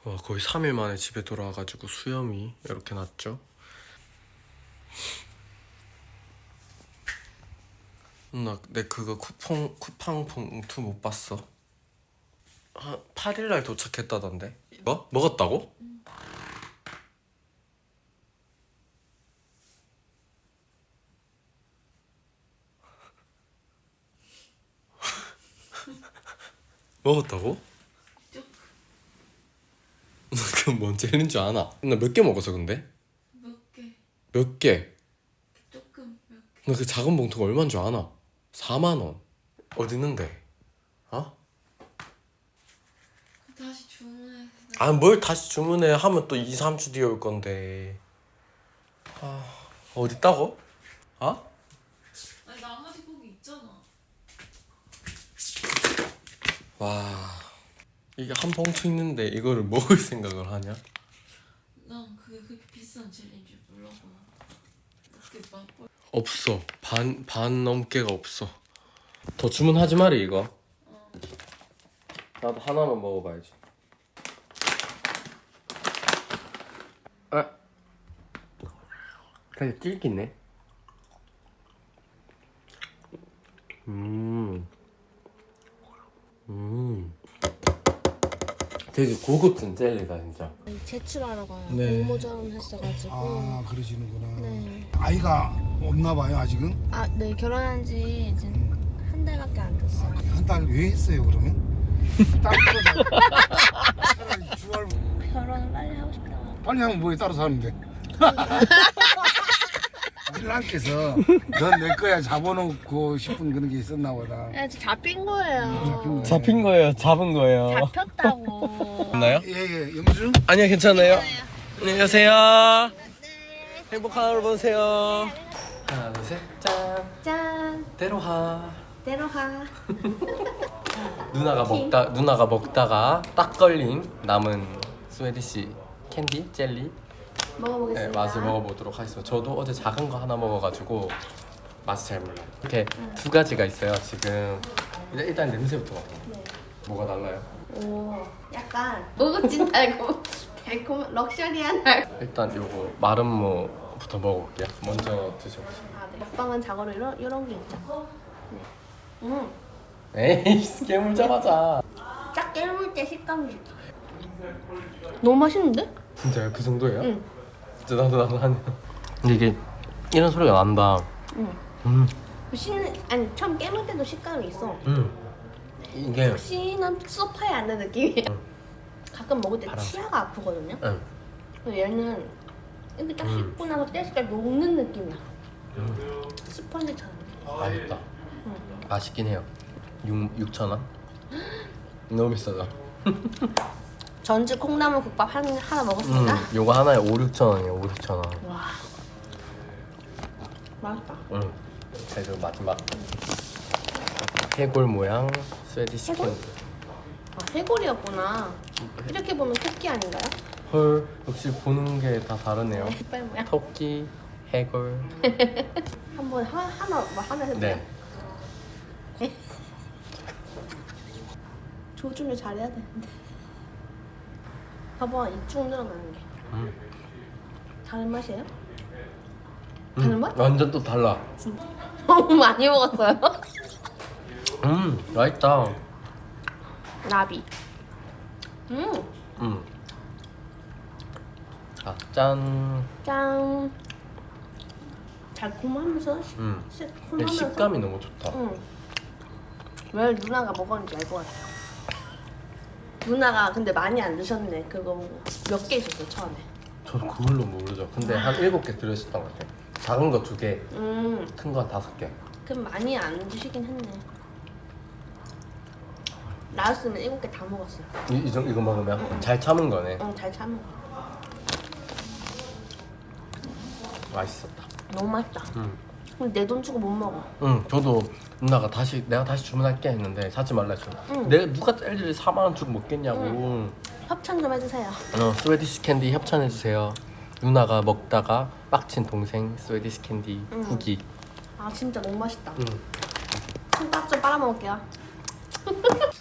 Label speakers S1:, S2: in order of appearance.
S1: 와, 거의 3일 만에 집에 돌아와가지고 수염이 이렇게 났죠. 나 내 그거 쿠팡 봉투 못 봤어. 한 8일날 도착했다던데. 뭐? 먹었다고? 먹었다고? 나 그건 뭔 젤리인 줄 아나? 나 몇 개 먹었어 근데?
S2: 몇 개?
S1: 몇 개?
S2: 조금 몇 개?
S1: 나 그 작은 봉투가 얼마인 줄 아나? 4만 원. 어디 있는데? 어?
S2: 다시 주문해.
S1: 아, 뭘 다시 주문해 하면 또 2, 3주 뒤에 올 건데. 아, 어디 있다고? 어?
S2: 아니 나머지 고기 있잖아.
S1: 와, 이게 한 봉투 있는데 이거를 먹을 생각을 하냐?
S2: 난 그게 그렇게 비싼 젤리인 줄 몰라고. 그렇게 맛볼.
S1: 없어. 반 넘게가 없어. 더 주문하지 말이 이거. 나도 하나만 먹어봐야지. 아, 되게 질기네. 되게 고급진 젤리다 진짜.
S3: 제출하러 가요.
S1: 네.
S3: 공모전 했어가지고.
S4: 아 그러시는구나.
S3: 네.
S4: 아이가 없나 봐요 아직은.
S3: 아, 네. 결혼한 지 이제 한 달밖에 안 됐어요.
S4: 한 달 왜 했어요 그러면? 따로 차라리 주말
S3: 결혼을 빨리 하고 싶다고.
S4: 빨리 하면 뭐에 따로 사는데. 신랑께서 넌 내 거야 잡아놓고 싶은 그런 게 있었나 보다.
S3: 네, 잡힌 거예요.
S1: 잡힌 거예요? 잡은 거예요?
S3: 잡혔다고.
S1: 맞나요?
S4: 예예 영주.
S1: 아니요, 괜찮아요. 안녕하세요. 행복한 하루 보내세요. 하나, 둘, 셋, 짠.
S3: 짠.
S1: 때로하.
S3: 때로가.
S1: 누나가 먹다가 딱 걸린 남은 스웨디시 캔디 젤리. 네,
S3: 먹어보겠습니다.
S1: 맛을 먹어보도록 하겠습니다. 저도 어제 작은 거 하나 먹어가지고 맛이 잘 몰라요. 이렇게 두 가지가 있어요. 지금 일단 냄새부터 맡아.
S3: 네.
S1: 뭐가 달라요?
S3: 오, 약간 무겁진 달콤 럭셔리한 달.
S1: 일단 요거 마름모부터 먹어볼게요. 먼저 드셔보세요.
S3: 아, 네. 먹방은 자고로 이런 게 있죠. 네.
S1: 에이, 깨물자마자.
S3: 딱 깨물 때 식감이 좋다. 너무 맛있는데?
S1: 진짜요? 그 정도예요?
S3: 응.
S1: 진짜 나도 하네요. 근데 이게 이런 소리가 난다.
S3: 응. 아니 처음 깨물 때도 식감이 있어.
S1: 이게
S3: 혹시나 소파에 앉는 느낌이야. 가끔 먹을 때
S1: 바람.
S3: 치아가 아프거든요.
S1: 응.
S3: 근데 얘는 이렇게 딱 씹고 나서 떼실 때 녹는 느낌이야. 스펀지처럼.
S1: 맛있다. 맛있긴 해요. 6,000원? 너무 비싸다.
S3: 전주 콩나물 국밥 하나 먹었습니다.
S1: 요거 하나에 5, 6,000원이에요. 5, 6,000원.
S3: 와, 맛있다.
S1: 자, 그리고 마지막 해골 모양 스웨디시
S3: 해골?
S1: 캔디.
S3: 아, 해골이었구나. 이렇게 보면 토끼 아닌가요?
S1: 헐, 역시 보는 게 다 다르네요.
S3: 이빨 모양.
S1: 토끼, 해골.
S3: 한번 하나 해볼게요.
S1: 네.
S3: 조준을 잘해야 되는데. 봐봐, 이쭉 늘어나는 게. 다른 맛이에요? 다른 맛?
S1: 완전 또 달라.
S3: 너무 많이 먹었어요.
S1: 맛있다.
S3: 나비.
S1: 자, 짠.
S3: 짠. 달콤하면서
S1: 근데
S3: 시큼하면서.
S1: 식감이 너무 좋다.
S3: 왜 누나가 먹었는지 알 것 같아요. 누나가 근데 많이 안 드셨네. 그거 몇 개 있었어 처음에.
S1: 저는 그걸로 모르죠. 근데 한 7개 들어있었던 것 같아요. 작은 거 2개, 큰 거 한 5개.
S3: 그럼 많이 안 드시긴 했네. 나였으면 7개 다 먹었어요.
S1: 이거 먹으면 잘 참은 거네.
S3: 응, 잘 참은 거.
S1: 맛있었다.
S3: 너무 맛있다. 근데 내 돈 주고 못 먹어.
S1: 저도 누나가 내가 다시 주문할게 했는데 사지 말라 했어. 내가 누가 젤리를 4만 원 주고 먹겠냐고.
S3: 협찬 좀 해주세요.
S1: 스웨디시 캔디 협찬해주세요. 누나가 먹다가 빡친 동생 스웨디시 캔디 후기.
S3: 아 진짜 너무 맛있다. 손가락 좀 빨아먹을게요.